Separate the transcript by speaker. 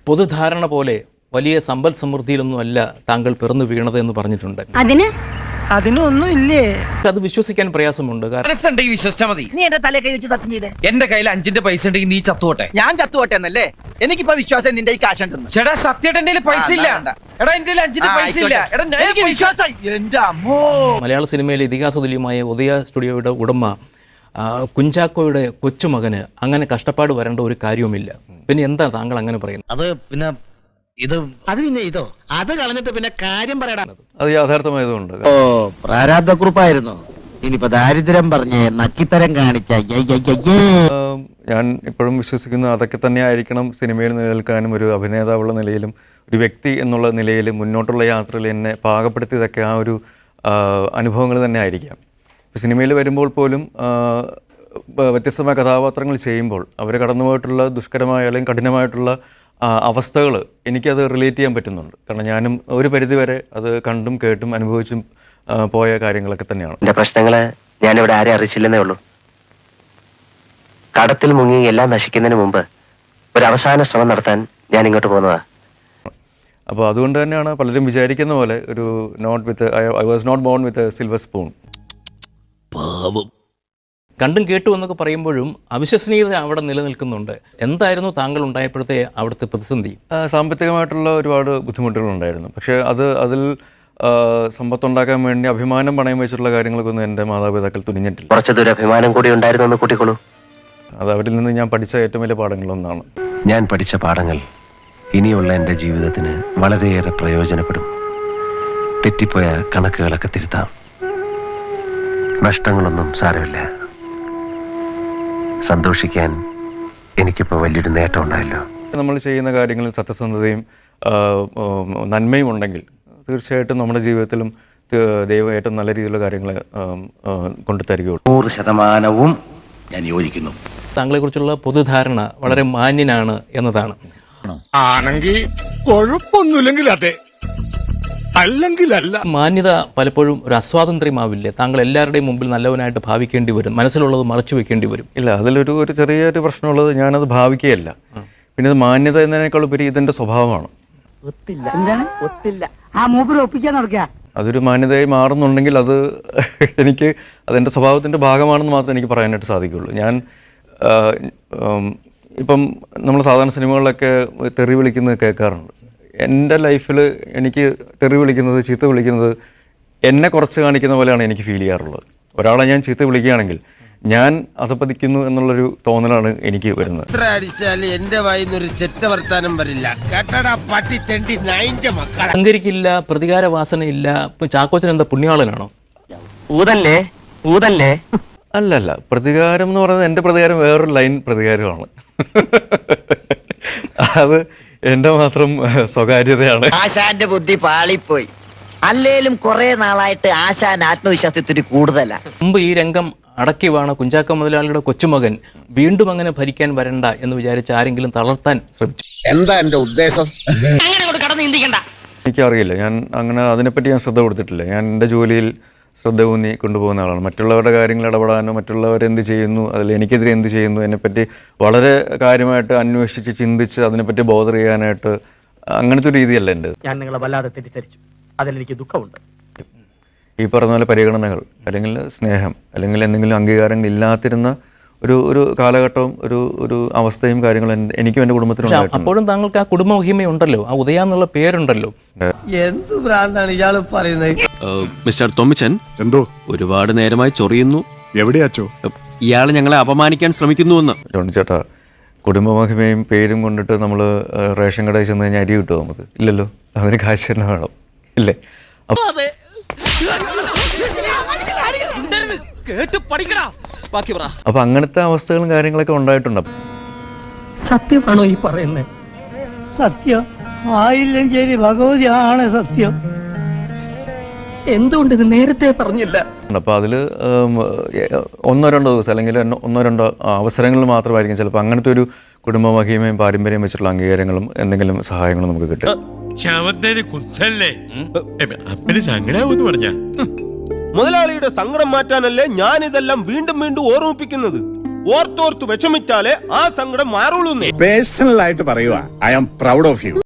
Speaker 1: പൊതുധാരണ പോലെ വലിയ സമ്പൽ സമൃദ്ധിയിലൊന്നുമല്ല താങ്കൾ പിറന്നു വീണത് എന്ന് പറഞ്ഞിട്ടുണ്ട്.
Speaker 2: അതിനൊന്നും ഇല്ലേ?
Speaker 1: അത് വിശ്വസിക്കാൻ പ്രയാസമുണ്ട്.
Speaker 3: മനസ്സുണ്ടെങ്കിൽ വിശ്വസിച്ചാൽ മതി.
Speaker 2: നീ എന്റെ തലേ കൈ വെച്ച് സത്യം ചെയ്തേ.
Speaker 3: എന്റെ കയ്യിൽ 5 പൈസ ഉണ്ടെങ്കിൽ നീ ചത്തുപോട്ടെ.
Speaker 2: ഞാൻ ചത്തുപോട്ടെ എന്നല്ലേ? എനിക്കിപ്പോ വിശ്വാസം നിന്റെ ഈ കാശുണ്ടെന്ന്.
Speaker 3: ചേട്ടാ സത്യമായിട്ട് എന്റെ പൈസ ഇല്ല. എടാ എന്റെ 5 പൈസ ഇല്ല. എടാ
Speaker 2: എനിക്ക് വിശ്വാസം. എന്റെ അമ്മോ.
Speaker 1: മലയാള സിനിമയിലെ ഇതിഹാസതുല്യമായ ഉദയ സ്റ്റുഡിയോയുടെ ഉടമ കുഞ്ചാക്കോയുടെ കൊച്ചുമകന് അങ്ങനെ കഷ്ടപ്പാട് വരേണ്ട ഒരു കാര്യവുമില്ല. പിന്നെ എന്താ താങ്കൾ അങ്ങനെ പറയുന്നത്?
Speaker 4: അത് പിന്നെ ഇതോ അത് കളഞ്ഞിട്ട് പിന്നെ കാര്യം പറയടാ.
Speaker 5: അത് യാഥാർത്ഥമായതുകൊണ്ട്.
Speaker 4: ഓ പ്രാരാബ്ധക്കുറിപ്പായിരുന്നു. ഇനിയിപ്പോ ദാരിദ്ര്യം പറഞ്ഞ് നക്കിത്തരം കാണിച്ച
Speaker 5: ഞാൻ ഇപ്പോഴും വിശ്വസിക്കുന്നു അതൊക്കെ തന്നെ ആയിരിക്കണം സിനിമയിൽ നിലനിൽക്കാനും ഒരു അഭിനേതാവുള്ള നിലയിലും ഒരു വ്യക്തി എന്നുള്ള നിലയിൽ മുന്നോട്ടുള്ള യാത്രയിൽ എന്നെ പാകപ്പെടുത്തിയതൊക്കെ ആ ഒരു അനുഭവങ്ങൾ തന്നെ ആയിരിക്കാം. ഇപ്പോൾ സിനിമയിൽ വരുമ്പോൾ പോലും വ്യത്യസ്തമായ കഥാപാത്രങ്ങൾ ചെയ്യുമ്പോൾ അവർ കടന്നുപോയിട്ടുള്ള ദുഷ്കരമായ അല്ലെങ്കിൽ കഠിനമായിട്ടുള്ള അവസ്ഥകൾ എനിക്കത് റിലേറ്റ് ചെയ്യാൻ പറ്റുന്നുണ്ട്. കാരണം ഞാനും ഒരു പരിധിവരെ അത് കണ്ടും കേട്ടും അനുഭവിച്ചും പോയ കാര്യങ്ങളൊക്കെ തന്നെയാണ്.
Speaker 6: എൻ്റെ പ്രശ്നങ്ങള് ഞാനിവിടെ ആരെ അറിയിച്ചില്ലെന്നേ ഉള്ളൂ. കടത്തിൽ മുങ്ങി എല്ലാം നശിക്കുന്നതിന് മുമ്പ് ഒരു അവസാന ശ്രമം നടത്താൻ ഞാൻ ഇങ്ങോട്ട് പോകുന്നതാ.
Speaker 5: അപ്പോൾ അതുകൊണ്ട് തന്നെയാണ് പലരും വിചാരിക്കുന്ന പോലെ ഒരു I was not born with silver spoon.
Speaker 1: കണ്ടും കേട്ടു എന്നൊക്കെ പറയുമ്പോഴും അവിശ്വസനീയത അവിടെ നിലനിൽക്കുന്നുണ്ട്. എന്തായിരുന്നു താങ്കൾ ഉണ്ടായപ്പോഴത്തെ അവിടുത്തെ പ്രതിസന്ധി?
Speaker 5: സാമ്പത്തികമായിട്ടുള്ള ഒരുപാട് ബുദ്ധിമുട്ടുകളുണ്ടായിരുന്നു. പക്ഷേ അതിൽ സമ്പത്തുണ്ടാക്കാൻ വേണ്ടി അഭിമാനം പണയം വെച്ചിട്ടുള്ള കാര്യങ്ങൾക്കൊന്നും എൻ്റെ മാതാപിതാക്കൾ തുനിഞ്ഞിട്ടില്ല.
Speaker 6: കുറച്ചതൊരു അഭിമാനം കൂടി ഉണ്ടായിരുന്നു എന്ന് കൂട്ടിക്കോളൂ.
Speaker 5: അത് അവരിൽ നിന്ന് ഞാൻ പഠിച്ച ഏറ്റവും വലിയ പാഠങ്ങളൊന്നാണ്.
Speaker 6: ഞാൻ പഠിച്ച പാഠങ്ങൾ ഇനിയുള്ള എൻ്റെ ജീവിതത്തിന് വളരെയേറെ പ്രയോജനപ്പെടും. തെറ്റിപ്പോയ കണക്കുകളൊക്കെ തിരുത്താം. നഷ്ടങ്ങളൊന്നും സാരമില്ല. സന്തോഷിക്കാൻ എനിക്കിപ്പോൾ വലിയൊരു നേട്ടം ഉണ്ടായല്ലോ.
Speaker 5: നമ്മൾ ചെയ്യുന്ന കാര്യങ്ങളിൽ സത്യസന്ധതയും നന്മയും ഉണ്ടെങ്കിൽ തീർച്ചയായിട്ടും നമ്മുടെ ജീവിതത്തിലും ദൈവം ഏറ്റവും നല്ല രീതിയിലുള്ള കാര്യങ്ങൾ കൊണ്ടുതരികയുള്ളൂ.
Speaker 4: 100% ഞാൻ യോജിക്കുന്നു.
Speaker 1: താങ്കളെക്കുറിച്ചുള്ള പൊതുധാരണ വളരെ മാന്യനാണ് എന്നതാണ്.
Speaker 7: ആണെങ്കിൽ കുഴപ്പമൊന്നുമില്ലെങ്കിൽ അതെ, അല്ലെങ്കിൽ അല്ല.
Speaker 1: മാന്യത പലപ്പോഴും ഒരു അസ്വാതന്ത്ര്യമാവില്ലേ? താങ്കൾ എല്ലാവരുടെയും മുമ്പിൽ നല്ലവനായിട്ട് ഭാവിക്കേണ്ടി വരും, മനസ്സിലുള്ളത് മറച്ചു വെക്കേണ്ടി വരും.
Speaker 5: ഇല്ല, അതിലൊരു ചെറിയൊരു പ്രശ്നമുള്ളത് ഞാനത് ഭാവിക്കുകയല്ല. പിന്നെ അത് മാന്യത എന്നതിനേക്കാൾ ഉപരി ഇതെൻ്റെ സ്വഭാവമാണ്. അതൊരു മാന്യതയായി മാറുന്നുണ്ടെങ്കിൽ അത് എനിക്ക് അതെൻ്റെ സ്വഭാവത്തിൻ്റെ ഭാഗമാണെന്ന് മാത്രമേ എനിക്ക് പറയാനായിട്ട് സാധിക്കുകയുള്ളൂ. ഞാൻ ഇപ്പം നമ്മൾ സാധാരണ സിനിമകളിലൊക്കെ തെറി വിളിക്കുന്നത് കേൾക്കാറുണ്ട്. എൻ്റെ ലൈഫിൽ എനിക്ക് തെറി വിളിക്കുന്നത്, ചീത്ത വിളിക്കുന്നത് എന്നെ കുറച്ച് കാണിക്കുന്ന പോലെയാണ് എനിക്ക് ഫീൽ ചെയ്യാറുള്ളത്. ഒരാളെ ഞാൻ ചീത്ത വിളിക്കുകയാണെങ്കിൽ ഞാൻ അധപ്പതിക്കുന്നു എന്നുള്ളൊരു തോന്നലാണ് എനിക്ക് വരുന്നത്.
Speaker 8: എത്ര അടിച്ചാലും എന്റെ വായിന്നൊരു ചെറ്റ വർത്താനം വരില്ല. കേട്ടടാ പട്ടി തെണ്ടി നായിന്റെ മക്കളെ.
Speaker 1: അഹങ്കരിക്കില്ല, പ്രതികാര വാസനയില്ല. ഇപ്പം ചാക്കോച്ചൻ എന്താ പുണ്യാളനാണോ?
Speaker 6: ഊതല്ലേ
Speaker 5: അല്ലല്ല, പ്രതികാരം എന്ന് പറയുന്നത് എൻ്റെ പ്രതികാരം വേറൊരു ലൈൻ പ്രതികാരമാണ്. അത് എൻ്റെ മാത്രം സ്വകാര്യതയാണ്.
Speaker 2: ആശാന്റെ ബുദ്ധി പാളിപ്പോയി. അല്ലേലും കുറെ നാളായിട്ട് ആശാൻ ആത്മവിശ്വാസത്തിന് കൂടുതലാ.
Speaker 1: മുമ്പ് ഈ രംഗം അടക്കി വാണ കുഞ്ചാക്കോ മുതലാളിയുടെ കൊച്ചുമകൻ വീണ്ടും അങ്ങനെ ഭരിക്കാൻ വരണ്ട എന്ന് വിചാരിച്ച് ആരെങ്കിലും തളർത്താൻ ശ്രമിച്ചു?
Speaker 8: എന്താ എന്റെ ഉദ്ദേശം?
Speaker 5: എനിക്കറിയില്ല, ഞാൻ അങ്ങനെ അതിനെപ്പറ്റി ഞാൻ ശ്രദ്ധ കൊടുത്തിട്ടില്ല. ഞാൻ എൻ്റെ ജോലിയിൽ ശ്രദ്ധ ഊന്നി കൊണ്ടുപോകുന്ന ആളാണ്. മറ്റുള്ളവരുടെ കാര്യങ്ങൾ ഇടപെടാനോ മറ്റുള്ളവരെന്ത് ചെയ്യുന്നു, അതിൽ എനിക്കെതിരെ എന്ത് ചെയ്യുന്നു എന്നെപ്പറ്റി വളരെ കാര്യമായിട്ട് അന്വേഷിച്ച് ചിന്തിച്ച് അതിനെപ്പറ്റി ബോധർ ചെയ്യാനായിട്ട് അങ്ങനത്തെ ഒരു രീതിയല്ല എൻ്റെ.
Speaker 9: ഞാൻ നിങ്ങളെ വല്ലാതെ തെറ്റിദ്ധരിച്ചു. അതിലെനിക്ക് ദുഃഖമുണ്ട്.
Speaker 5: ഈ പറഞ്ഞ പോലെ പരിഗണനകൾ അല്ലെങ്കിൽ സ്നേഹം അല്ലെങ്കിൽ എന്തെങ്കിലും അംഗീകാരങ്ങൾ ഇല്ലാത്തിരുന്ന ഒരു കാലഘട്ടവും ഒരു അവസ്ഥയും കാര്യങ്ങളും എനിക്കും എൻ്റെ കുടുംബത്തിനും.
Speaker 1: അപ്പോഴും താങ്കൾക്ക് ആ കുടുംബ മഹിമയുണ്ടല്ലോ, ആ ഉദയ എന്നുള്ള പേരുണ്ടല്ലോ.
Speaker 2: എന്ത് ഭ്രാന്താണ് ഇയാള് പറയുന്നത്?
Speaker 10: മിസ്റ്റർ തൊമ്മിച്ചൻ,
Speaker 7: എന്തോ
Speaker 10: ഒരുപാട് നേരമായി ചൊറിയുന്നു.
Speaker 7: എവിടെയാച്ചോ?
Speaker 10: ഇയാൾ ഞങ്ങളെ അപമാനിക്കാൻ ശ്രമിക്കുന്നുവെന്ന്.
Speaker 5: ചേട്ടാ, കുടുംബ മഹിമയും പേരും കൊണ്ടിട്ട് നമ്മൾ റേഷൻ കടയിൽ ചെന്ന് കഴിഞ്ഞാൽ അരി കിട്ടുമോ? നമുക്ക് ഇല്ലല്ലോ. അതിന് കാശ് തന്നെ വേണം, ഇല്ലേ? അപ്പൊ അങ്ങനത്തെ അവസ്ഥകളും കാര്യങ്ങളൊക്കെ ഉണ്ടായിട്ടുണ്ട്.
Speaker 9: സത്യമാണോ ഈ പറയുന്നത്?
Speaker 2: സത്യം ആയില്ലെങ്കിൽ ഭഗവതിയാണ് സത്യം.
Speaker 9: എന്തുകൊണ്ട് ഇത് നേരത്തെ പറഞ്ഞില്ല?
Speaker 5: അപ്പോൾ അതിൽ 1-2 ദിവസം അല്ലെങ്കിൽ 1-2 അവസരങ്ങളിൽ മാത്രമായിരിക്കും ചിലപ്പോൾ അങ്ങനത്തെ ഒരു കുടുംബ മഹിമയും പാരമ്പര്യം വെച്ചിട്ടുള്ള അംഗീകാരങ്ങളും എന്തെങ്കിലും സഹായങ്ങളും നമുക്ക് കിട്ടും.
Speaker 8: മുതലാളിയുടെ സങ്കടം മാറ്റാനല്ലേ ഞാൻ ഇതെല്ലാം വീണ്ടും വീണ്ടും ഓർമ്മിപ്പിക്കുന്നത്. ഓർത്തോർത്ത് വിഷമിച്ചാലേ ആ സങ്കടം മാറുള്ളൂ.
Speaker 7: പേഴ്സണൽ ആയിട്ട് പറയുക I am proud of U.